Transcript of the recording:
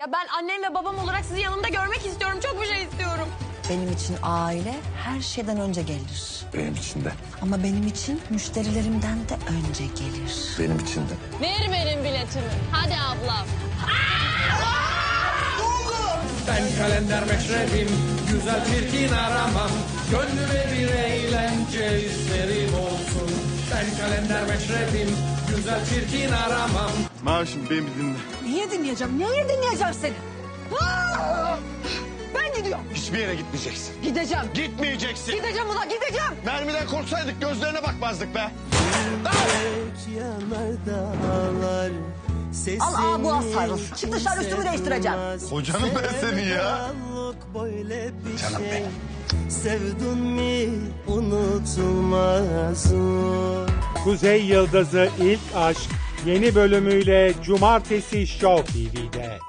Ya ben annem ve babam olarak sizi yanımda görmek istiyorum. Çok bir şey istiyorum. Benim için aile her şeyden önce gelir. Benim için de. Ama benim için müşterilerimden de önce gelir. Benim için de. Ver benim biletimi. Hadi ablam. Ben kalender meşrebim, güzel çirkin aramam. Gönlüme bir eğlence isterim olsun. Ben kalender meşrebim, güzel çirkin aramam. Mavişim beni bir dinle. Niye dinleyeceğim? Niye dinleyeceğim seni? Ben gidiyorum. Hiçbir yere gitmeyeceksin. Gideceğim. Gitmeyeceksin. Gideceğim ulan gideceğim. Mermiden korksaydık gözlerine bakmazdık be. Al bu sarıl. Çık dışarı üstümü değiştireceğim. Hocanım ben senin ya. Canım benim. Sevdin mi unutulmaz. Kuzey Yıldızı İlk Aşk yeni bölümüyle Cumartesi Show TV'de.